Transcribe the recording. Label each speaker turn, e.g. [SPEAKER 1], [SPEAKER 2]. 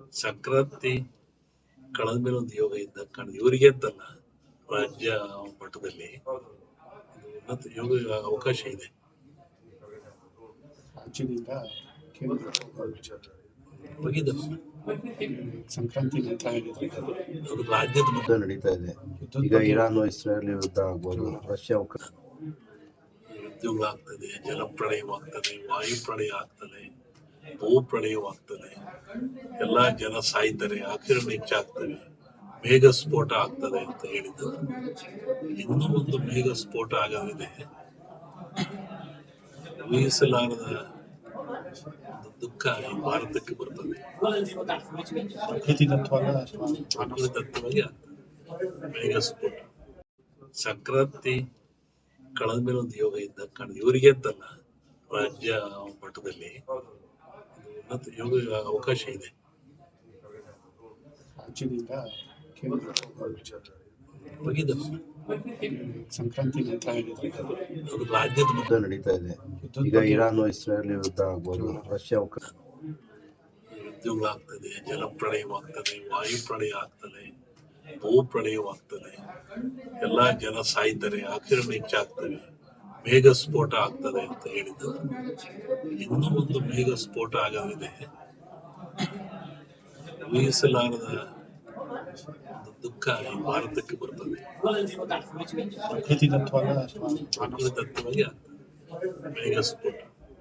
[SPEAKER 1] ಸಂಕ್ರಾಂತಿ ಕಳೆದ ಮೇಲೆ ಒಂದು ಯೋಗ ಇದ್ದ ಕಾರಣ ಇವರಿಗೆ ಅಂತಲ್ಲ, ರಾಜ್ಯ ಮಟ್ಟದಲ್ಲಿ ಉನ್ನತ ಯೋಗ ಅವಕಾಶ ಇದೆ.
[SPEAKER 2] ರಾಜ್ಯದಿಂದ ಕೇಂದ್ರ
[SPEAKER 1] ಹೋಗಿದ್ದಲ್ಲ,
[SPEAKER 2] ಸಂಕ್ರಾಂತಿ ನಂತರ ಹೇಳಿದ್ರೆ
[SPEAKER 1] ಅದು ರಾಜ್ಯದ
[SPEAKER 3] ಯುದ್ಧ ನಡೀತಾ ಇದೆ. ಈಗ ಇರಾನ್ ಇಸ್ರೇಲ್ ಯುದ್ಧ ಆಗ್ಬೋದು, ರಷ್ಯಾ
[SPEAKER 1] ಯುದ್ಧಗಳಾಗ್ತದೆ, ಜಲಪ್ರಳಯವಾಗ್ತದೆ, ವಾಯುಪ್ರಳಯ ಆಗ್ತದೆ, ಭೂಪ್ರಳಯವಾಗ್ತದೆ, ಎಲ್ಲಾ ಜನ ಸಾಯ್ತಾರೆ, ಆಕಿರಣ ಹೆಚ್ಚಾಗ್ತವೆ, ಮೇಘ ಸ್ಫೋಟ ಆಗ್ತದೆ ಅಂತ ಹೇಳಿದ್ದಾರೆ. ಇನ್ನೂ ಒಂದು ಮೇಘ ಸ್ಫೋಟ ಆಗೋದಿದೆ. ಊಹಿಸಲಾರದ ಒಂದು ದುಃಖ ಈ ಭಾರತಕ್ಕೆ ಬರ್ತದೆ. ಪ್ರಕೃತಿದತ್ತವಾಗಿ ಆಗ್ತದೆ ಮೇಘ ಸ್ಫೋಟ. ಸಂಕ್ರಾಂತಿ ಕಳೆದ ಮೇಲೆ ಒಂದು ಯೋಗ ಇದ್ದ ಕಾರಣ ಇವರಿಗೆ ಅಂತಲ್ಲ, ರಾಜ್ಯ ಮಟ್ಟದಲ್ಲಿ ಉನ್ನತ ಯೋಗ ಅವಕಾಶ ಇದೆ.
[SPEAKER 2] ರಾಜ್ಯದಿಂದ ಕೇಂದ್ರ
[SPEAKER 1] ಹೋಗಿದ್ದಲ್ಲ,
[SPEAKER 2] ಸಂಕ್ರಾಂತಿ ನಂತರ ಹೇಳಿದ್ರೆ
[SPEAKER 1] ಅದು ರಾಜ್ಯದ
[SPEAKER 3] ಯುದ್ಧ ನಡೀತಾ ಇದೆ. ಈಗ ಇರಾನ್ ಇಸ್ರೇಲ್ ಯುದ್ಧ ಆಗ್ಬೋದು, ರಷ್ಯಾ
[SPEAKER 1] ಯುದ್ಧಗಳಾಗ್ತದೆ, ಜಲಪ್ರಳಯವಾಗ್ತದೆ, ವಾಯುಪ್ರಳಯ ಆಗ್ತದೆ, ಭೂಪ್ರಳಯವಾಗ್ತದೆ, ಎಲ್ಲಾ ಜನ ಸಾಯ್ತಾರೆ, ಆಕಿರಣ ಹೆಚ್ಚಾಗ್ತವೆ, ಮೇಘ ಸ್ಫೋಟ ಆಗ್ತದೆ ಅಂತ ಹೇಳಿದ್ದಾರೆ. ಇನ್ನೂ ಒಂದು ಮೇಘ ಸ್ಫೋಟ ಆಗೋದಿದೆ. ಊಹಿಸಲಾರದ ಒಂದು ದುಃಖ ಈ ಭಾರತಕ್ಕೆ ಬರ್ತದೆ. ಪ್ರಕೃತಿದತ್ತವಾಗಿ ಆಗ್ತದೆ ಮೇಘ ಸ್ಫೋಟ.